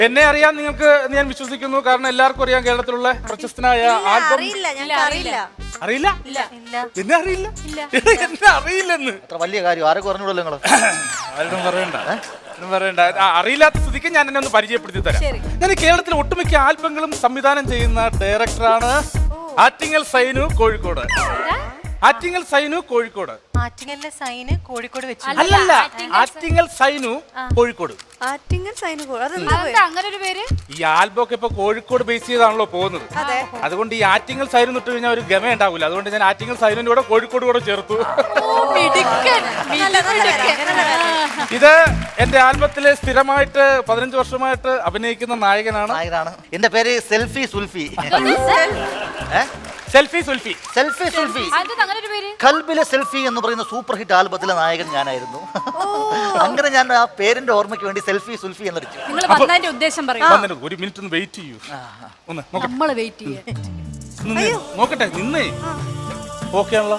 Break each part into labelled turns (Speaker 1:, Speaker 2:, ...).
Speaker 1: എന്നെ അറിയാൻ നിങ്ങൾക്ക് ഞാൻ വിശ്വസിക്കുന്നു. കാരണം എല്ലാവർക്കും അറിയാം കേരളത്തിലുള്ള പ്രശസ്തനായ ആൽബം.
Speaker 2: അറിയില്ല.
Speaker 1: അറിയില്ല? എന്നെ അറിയില്ല? എന്നെ അറിയില്ലെന്ന്
Speaker 3: അത്ര വലിയ കാര്യം ആരൊക്കെ പറഞ്ഞോളൂ നിങ്ങള്.
Speaker 1: ആരും പറയണ്ട. അറിയില്ലാത്ത സ്ഥിതിക്ക് ഞാൻ എന്നെ ഒന്ന് പരിചയപ്പെടുത്തി തരാം. ഞാൻ കേരളത്തിലെ ഒട്ടുമിക്ക ആൽബങ്ങളും സംവിധാനം ചെയ്യുന്ന ഡയറക്ടറാണ്. ആറ്റിങ്ങൽ സൈനു, കോഴിക്കോട്. ആറ്റിങ്ങൽ സൈനു, കോഴിക്കോട്.
Speaker 4: ആറ്റിങ്ങലിലെ സൈന് കോഴിക്കോട് വെച്ചു.
Speaker 1: അല്ലല്ല, ആറ്റിങ്ങൽ സൈനു, കോഴിക്കോട്.
Speaker 2: ആറ്റിങ്ങൽ സൈനു അങ്ങനെ ഒരു പേര്.
Speaker 1: ഈ ആൽബം ഒക്കെ ഇപ്പൊ കോഴിക്കോട് ബേസ് ചെയ്താണല്ലോ പോകുന്നത്. അതുകൊണ്ട് ഈ ആറ്റിങ്ങൽ സൈനു ഇട്ട് കഴിഞ്ഞാൽ ഒരു ഗമ ഉണ്ടാവില്ല. അതുകൊണ്ട് ഞാൻ ആറ്റിങ്ങൽ സൈനുവിന്റെ കൂടെ കോഴിക്കോട് കൂടെ ചേർത്തു. ഇത് എന്റെ ആൽബത്തില് സ്ഥിരമായിട്ട് 15 വർഷമായിട്ട് അഭിനയിക്കുന്ന നായകനാണ്.
Speaker 3: എന്റെ പേര് selfie Sulfi.
Speaker 1: Selfie Sulfi.
Speaker 3: Selfie Sulfi. കൽബിലെ സെൽഫി എന്ന് പറയുന്ന സൂപ്പർ ഹിറ്റ് ആൽബത്തിലെ നായകൻ ഞാനായിരുന്നു. അങ്ങനെ ഞാൻ ആ പേരിന്റെ ഓർമ്മയ്ക്ക് വേണ്ടി സെൽഫി സുൽഫി എന്നടിച്ചു.
Speaker 2: ഉദ്ദേശം
Speaker 1: ഒരു മിനിറ്റ് ഒന്ന് വെയിറ്റ് ചെയ്യൂ.
Speaker 2: നോക്കട്ടെ.
Speaker 1: നിന്നേ. ഓക്കെ ആണല്ലോ?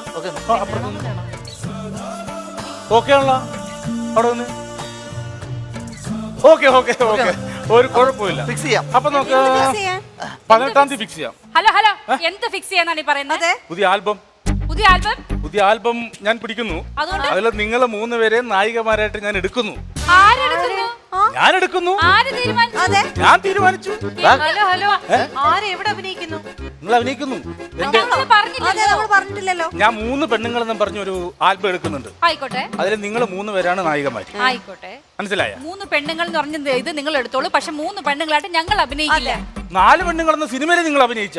Speaker 1: ഓക്കെ ആണല്ലോ? അവിടെ നിന്ന് ഓക്കെ ഒരു കുഴപ്പമില്ല.
Speaker 3: ഫിക്സ് ചെയ്യാം.
Speaker 1: അപ്പൊ നമുക്ക് 18-ാം തീയതി ഫിക്സ് ചെയ്യാം.
Speaker 2: ഹലോ എന്ത് ഫിക്സ് ചെയ്യാന്നാണ് പറയുന്നത്?
Speaker 1: പുതിയ ആൽബം ഞാൻ പിടിക്കുന്നു. അതിൽ നിങ്ങൾ 3 പേരെ നായികമാരായിട്ട് ഞാൻ എടുക്കുന്നു. ഞാൻ തീരുമാനിച്ചു. നിങ്ങൾ അഭിനയിക്കുന്നു. ഞാൻ 3 പെണ്ണുങ്ങളെന്നും പറഞ്ഞൊരു ആൽബം എടുക്കുന്നുണ്ട്.
Speaker 2: ആയിക്കോട്ടെ.
Speaker 1: അതിൽ നിങ്ങൾ 3 പേരാണ് നായികമാർ.
Speaker 2: ആയിക്കോട്ടെ.
Speaker 1: മനസ്സിലായ?
Speaker 2: 3 പെണ്ണുങ്ങൾ എന്ന് പറഞ്ഞത് ഇത് നിങ്ങൾ എടുത്തോളൂ. പക്ഷെ 3 പെണ്ണുങ്ങളായിട്ട് ഞങ്ങൾ അഭിനയിക്കില്ല.
Speaker 1: 4 പെണ്ണുങ്ങളെന്ന സിനിമയിൽ നിങ്ങൾ അഭിനയിച്ച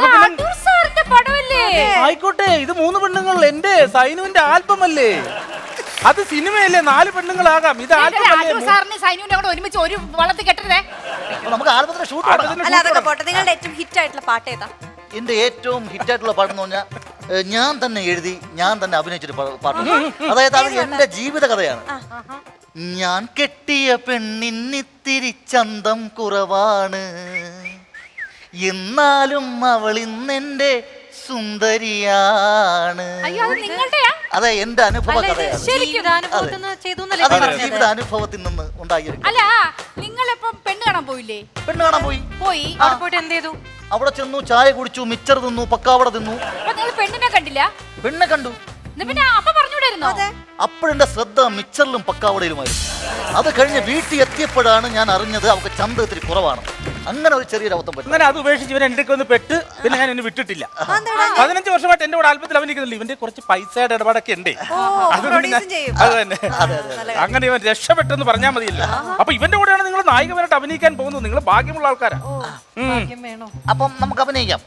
Speaker 1: ആയിക്കോട്ടെ. ഇത് 3 പെണ്ണുങ്ങൾ എന്റെ സൈനുവിന്റെ ആൽബം അല്ലേ? അത് സിനിമയല്ലേ? 4 പെണ്ണുങ്ങളാകാം. ഇത്
Speaker 2: ഒരുമിച്ച് ഒരു വളർത്തി കെട്ടരുതേ.
Speaker 3: നമുക്ക് ആൽബത്തിന്റെ ഷൂട്ട്.
Speaker 2: നിങ്ങളുടെ ഏറ്റവും ഹിറ്റ് ആയിട്ടുള്ള പാട്ട് ഏതാ?
Speaker 3: എന്റെ ഏറ്റവും ഹിറ്റ് ആയിട്ടുള്ള പാട്ടെന്ന് പറഞ്ഞാൽ ഞാൻ തന്നെ എഴുതി ഞാൻ തന്നെ അഭിനയിച്ചൊരു പാട്ട്. അതായത് അത് എന്റെ ജീവിത കഥയാണ്. ഞാൻ കെട്ടിയ പെണ്ണിന്നിത്തിരി ചന്തം കുറവാണ്, എന്നാലും അവൾ ഇന്നെന്റെ സുന്ദരിയാണ്. അതെ, എന്റെ അനുഭവ കഥയാണ്. ജീവിത അനുഭവത്തിൽ നിന്ന് ഉണ്ടായിരുന്നു.
Speaker 2: അല്ല, നിങ്ങളിപ്പം പെണ്ണ് കാണാൻ പോയില്ലേ?
Speaker 3: പെണ്ണ് കാണാൻ പോയി.
Speaker 2: പോയിട്ട് എന്ത് ചെയ്തു?
Speaker 3: അവിടെ ചെന്നു, ചായ കുടിച്ചു, മിച്ചർ തിന്നു, പക്കാവട തിന്നു.
Speaker 2: പെണ്ണിനെ കണ്ടില്ല?
Speaker 3: പെണ്ണെ കണ്ടു. അപ്പോഴെന്റെ ശ്രദ്ധ മിച്ചറിലും പക്കാവടയിലുമായിരുന്നു. അത് കഴിഞ്ഞ് വീട്ടിൽ എത്തിയപ്പോഴാണ് ഞാൻ അറിഞ്ഞത് അവർക്ക് ചന്ത ഇത്തിരി കുറവാണ്. അങ്ങനെ ഒരു ചെറിയൊരു അബദ്ധം പറ്റും.
Speaker 1: അങ്ങനെ അത് ഉപേക്ഷിച്ച് ഇവൻ എൻ്റെ ഒന്ന് പെട്ട് പിന്നെ ഞാൻ എന്നെ വിട്ടിട്ടില്ല. 15 വർഷമായിട്ട് എന്റെ കൂടെ ആൽബത്തിൽ അഭിനയിക്കുന്നില്ല. ഇവന്റെ കുറച്ച് പൈസയുടെ ഇടപാടൊക്കെ ഉണ്ട്. അത് തന്നെ. അങ്ങനെ ഇവൻ രക്ഷപ്പെട്ടെന്ന് പറഞ്ഞാൽ മതിയല്ലോ. അപ്പൊ ഇവന്റെ കൂടെയാണ് നിങ്ങൾ നായികമായിട്ട് അഭിനയിക്കാൻ പോകുന്നത്. നിങ്ങൾ ഭാഗ്യമുള്ള ആൾക്കാരാ.
Speaker 3: അപ്പം നമുക്ക് അഭിനയിക്കാം.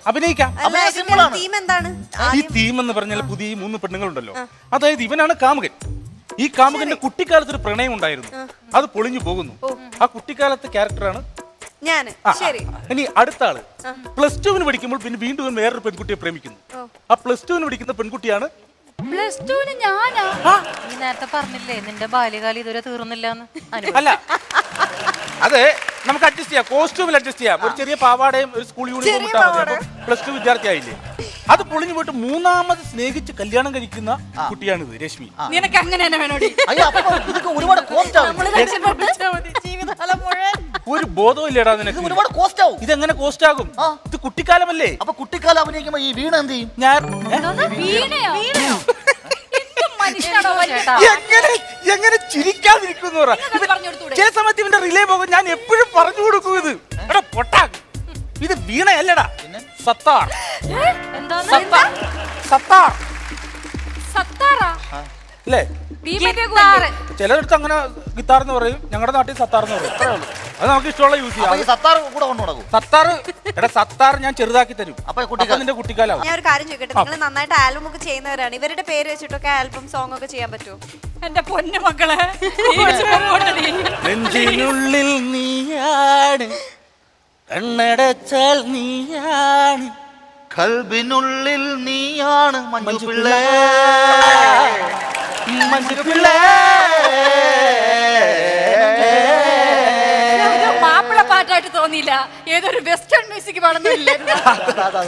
Speaker 1: ഈ തീം എന്ന് പറഞ്ഞാൽ പുതിയ 3 പെണ്ണുങ്ങളുണ്ടല്ലോ. അതായത് ഇവനാണ് കാമുകൻ. ഈ കാമുകന്റെ കുട്ടിക്കാലത്ത് ഒരു പ്രണയം ഉണ്ടായിരുന്നു. അത് പൊളിഞ്ഞു പോകുന്നു. ആ കുട്ടിക്കാലത്തെ ക്യാരക്ടറാണ് ഞാൻ. ഇനി അടുത്ത ആള് +2 പഠിക്കുമ്പോൾ പിന്നെ വീണ്ടും വേറൊരു പെൺകുട്ടിയെ പ്രേമിക്കുന്നു. ആ +2 പഠിക്കുന്ന പെൺകുട്ടിയാണ്.
Speaker 4: നേരത്തെ പറഞ്ഞില്ലേ നിന്റെ ബാല്യകാലം ഇതുവരെ തീർന്നില്ല.
Speaker 1: അല്ല, അതെ, നമുക്ക് അഡ്ജസ്റ്റ് ചെയ്യാം. കോസ്റ്റ്യൂമിൽ അഡ്ജസ്റ്റ് ചെയ്യാം. ഒരു ചെറിയ പാവാടയും ഒരു സ്കൂൾ യൂണിഫോം ഇട്ടാൽ മതി. +2 വിദ്യാർത്ഥി ആയില്ലേ? അത് പൊളിഞ്ഞു പോയിട്ട് 3ാമത് സ്നേഹിച്ച് കല്യാണം കഴിക്കുന്ന കുട്ടിയാണിത്, രശ്മി.
Speaker 2: നിനക്ക് അങ്ങനെ
Speaker 3: ഒരുപാട് കോസ്റ്റ് ആവും.
Speaker 1: ഒരു ബോധവും ഇല്ലടാ നിനക്ക്.
Speaker 3: ഒരുപാട് കോസ്റ്റ് ആവും.
Speaker 1: ഇതെങ്ങനെ കോസ്റ്റ് ആകും? ഇത് കുട്ടിക്കാലമല്ലേ?
Speaker 3: അപ്പൊ കുട്ടിക്കാലം അഭിനയിക്കുമ്പോ ഈ വീണ എന്ത് ചെയ്യും?
Speaker 1: എങ്ങനെ ചിരിക്കാതിരിക്കുന്നു? ചില സമയത്ത് ഇവന്റെ റിലേ പോകും. ഞാൻ എപ്പോഴും പറഞ്ഞു കൊടുക്കും ഇത്. എടാ പൊട്ടാ, ഇത് വീണയല്ലടാ, സത്താർ. അല്ലേ? ചിലടത്ത് അങ്ങനെ ഗിത്താർ എന്ന് പറയും. ഞങ്ങളുടെ നാട്ടിൽ സത്താർ എന്ന് പറയും. അത് നമുക്ക് ഇഷ്ടമുള്ള യൂസ് ചെയ്യാം.
Speaker 3: സത്താർ കൂടെ കൊണ്ടുപോകും.
Speaker 1: സത്താർ ഞാൻ ചെറുതാക്കി തരും. അപ്പൊ നിന്റെ കുട്ടിക്കാലാവും.
Speaker 5: ഞാൻ ഒരു കാര്യം ചോദിക്കട്ടെ, നിങ്ങൾ നന്നായിട്ട് ആൽബം ഒക്കെ ചെയ്യുന്നവരാണ്. ഇവരുടെ പേര് വെച്ചിട്ടൊക്കെ ആൽബം സോങ് ഒക്കെ ചെയ്യാൻ പറ്റുമോ?
Speaker 2: എന്റെ പൊന്നു മക്കളെ,
Speaker 1: നെഞ്ചിനുള്ളിൽ നീയാണ്, കണ്ണടച്ചാൽ നീയാണ്,
Speaker 3: കൽബിനുള്ളിൽ നീയാണ്, മഞ്ജു പിള്ളേ.
Speaker 2: മാപ്പിള പാട്ടായിട്ട് തോന്നിയില്ല, ഏതൊരു വെസ്റ്റേൺ മ്യൂസിക് പാടുന്നില്ല.